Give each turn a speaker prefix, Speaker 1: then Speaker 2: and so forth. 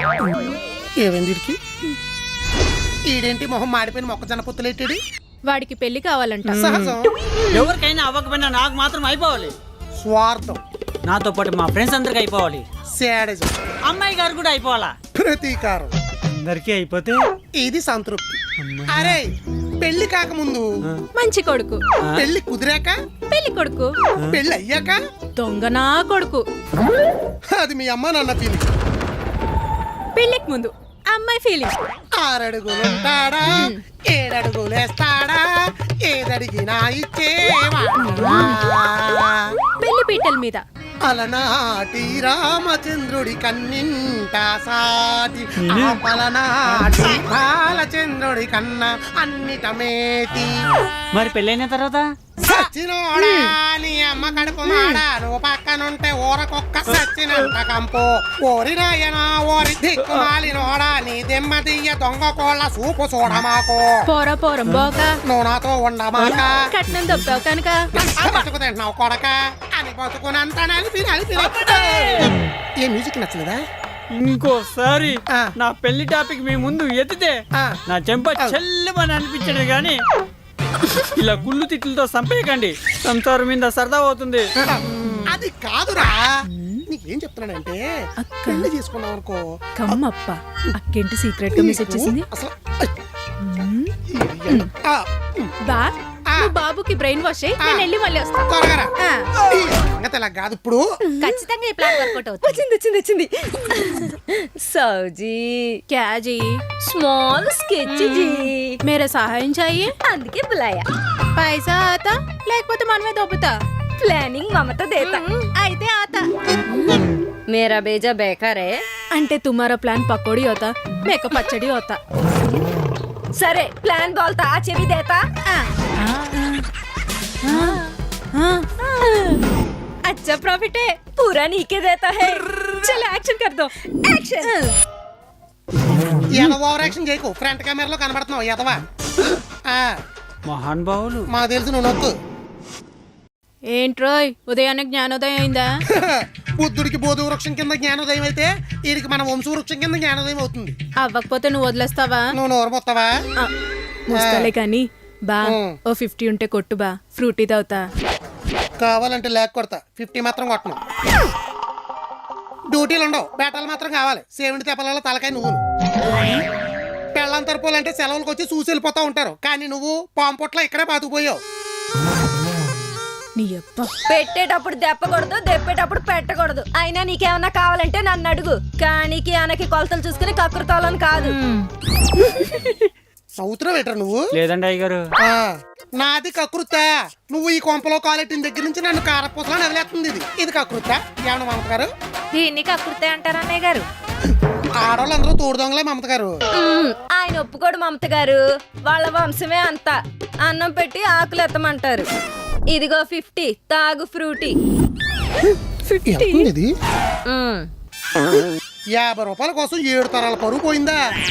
Speaker 1: ఏమైంది వీడికి? ఈడేంటి మొహం మాడిపోయిన మొక్కజొన్న పొత్తులెట్టాడు?
Speaker 2: వాడికి పెళ్లి కావాలంట.
Speaker 1: సహజం.
Speaker 3: ఎవరికైనా అవ్వకపోయినా నాకు మాత్రం అయిపోవాలి.
Speaker 1: స్వార్థం.
Speaker 3: నాతో పాటు మా ఫ్రెండ్స్ అందరికి అయిపోవాలి.
Speaker 1: శాడిజం.
Speaker 3: అమ్మాయి గారు కూడా అయిపోవాలా?
Speaker 1: ప్రతీకారం.
Speaker 3: అందరికీ అయిపోతే
Speaker 1: ఇది సంతృప్తి. అరే పెళ్లి కాకముందు
Speaker 2: మంచి కొడుకు,
Speaker 1: పెళ్లి కుదిరాక
Speaker 2: పెళ్లి కొడుకు,
Speaker 1: పెళ్లి అయ్యాక
Speaker 2: దొంగనా కొడుకు.
Speaker 1: అది మీ అమ్మ నాన్న ఫీలింగ్.
Speaker 2: పెళ్లికి ముందు అమ్మాయి ఫీలింగ్.
Speaker 1: 6 అడుగులుంటాడా, 7 అడుగులేస్తాడా, ఏదడిగినా ఇచ్చేవాడా.
Speaker 2: పెళ్లి పీటల మీద
Speaker 1: అలనాటి రామచంద్రుడి కన్నింట సాటి, పలనాటి బాలచంద్రుడి కన్నా అన్నిట మేటి.
Speaker 3: మరి పెళ్ళైన తర్వాత
Speaker 1: సచ్చినోడా నీ అమ్మ కడుపు మాడా, నువ్వు పక్కనుంటే ఊరకొక్క సచ్చినంత కంపు. ఓరి నాయనా ఓరి దిక్కుమాలినోడా, నీ దెమ్మ దియ్య దొంగ కోళ్ళ సూపు చూడమాకు.
Speaker 2: పోరా పోరం బోక,
Speaker 1: నువ్వు నాతో ఉండమాక.
Speaker 2: కట్నం దొబ్బావు కనుక
Speaker 1: బతుకు తింటున్నావు కొడక అని బతుకునంత నలిపి నలిపి. ఏ మ్యూజిక్ నచ్చలేదా?
Speaker 3: ఇంకోసారి
Speaker 1: ఆ.
Speaker 3: నా పెళ్లి టాపిక్ మీ ముందు ఎత్తితే
Speaker 1: ఆ.
Speaker 3: నా చెంప చెల్లమని అనిపించడు గాని ఇలా కుళ్ళు తిట్లతో సంపేయకండి. సంసారం మీద సరదా అవుతుంది.
Speaker 1: అది కాదురా, నీకేం చెప్తున్నానంటే పెళ్లి చేసుకున్నావు అనుకో.
Speaker 2: కమ్మప్ప అక్కేంటి సీక్రెట్ గా మెసేజ్ చేసింది.
Speaker 1: అసలు
Speaker 2: బా నువ్వు బాబుకి బ్రెయిన్ వాష్ అయ్యి నేను వెళ్ళి మళ్ళీ వస్తా.
Speaker 1: త్వరగా
Speaker 2: ఆ.
Speaker 1: ఇలా కాదు ఇప్పుడు.
Speaker 2: ఖచ్చితంగా ఈ ప్లాన్ వర్కౌట్ అవుతుంది.
Speaker 4: వచ్చింది సౌజీ
Speaker 2: क्या जी?
Speaker 4: స్మాల్ స్కెచ్ జీ
Speaker 2: मेरे సహాయం चाहिए.
Speaker 4: అందుకే బులాయా.
Speaker 2: పైసా ఆతా లేకపోతే మనమే దొబ్బుతా.
Speaker 4: ప్లానింగ్ మమత దేతా.
Speaker 2: అయితే ఆతా.
Speaker 4: మేరా బేజా బేకార్ హై.
Speaker 2: అంటే తుమారా ప్లాన్ పకోడీ होता मेरे को పచ్చడి होता.
Speaker 4: సరే ప్లాన్ బోల్తా ఆచే भी देता. अच्छा प्रॉफिट है, पूरा नीके देता है. चलो एक्शन कर दो. एक्शन.
Speaker 1: ఏదో ఓవర్ యాక్షన్ చేయకు, ఫ్రంట్ కెమెరాలో కనబడుతున్నావు ఎదవా.
Speaker 3: మహాన్ బావులు
Speaker 1: మాకు తెలుసు నువ్వు నొక్కు.
Speaker 2: ఏంట్రోయ్ ఉదయాన్నే జ్ఞానోదయం అయిందా?
Speaker 1: బుద్ధుడికి బోధి వృక్షం కింద జ్ఞానోదయం అయితే వీడికి మన వంశ వృక్షం కింద జ్ఞానోదయం అవుతుంది.
Speaker 2: అవ్వకపోతే నువ్వు వదిలేస్తావా?
Speaker 1: నువ్వు నోరు మొత్తవా?
Speaker 2: వస్తాలే కానీ బా ఓ 50 ఉంటే కొట్టు బా, ఫ్రూటీ తాగుతా.
Speaker 1: కావాలంటే లేక కొడతా, 50 మాత్రం కొట్టను. డ్యూటీలు ఉండవు, బేటాలు మాత్రం కావాలి. సేవిండి తెప్పల తలకాయ నువ్వు. పెళ్ళం తరపులంటే సెలవులకు వచ్చి చూసి వెళ్ళిపోతా ఉంటారు, కానీ నువ్వు పాము పొట్ల ఇక్కడే బతుకుపోయావు.
Speaker 2: నీ అప్ప
Speaker 4: పెట్టేటప్పుడు దెప్పకూడదు, దెప్పేటప్పుడు పెట్టకూడదు. అయినా నీకేమన్నా కావాలంటే నన్ను అడుగు, కానీ ఆనకి కొలతలు చూసుకుని కక్కురుతాలని కాదు.
Speaker 1: సౌత్రం వేటర్ నువ్వు.
Speaker 3: లేదండి అయ్యగారు.
Speaker 1: నాది కకృత. నువ్వు ఈ కొంపలో కాలెట్టిన దగ్గర నుంచి నన్ను కారపూసలా నదిలేస్తుంది. ఇది కకృత. ఏమన్నా మమత గారు?
Speaker 4: దీన్ని కక్కురుతాయి అంటారు అన్నయ్య గారు.
Speaker 1: ఆడవాళ్ళందరూ తోడు దొంగలే మమత గారు.
Speaker 4: ఆయన ఒప్పుకోడు మమత గారు, వాళ్ళ వంశమే అంతా. అన్నం పెట్టి ఆకులు ఎత్తమంటారు. ఇదిగో 50 తాగు ఫ్రూటీ.
Speaker 1: 50 రూపాయల కోసం 7 తరాల పరువు పోయిందా?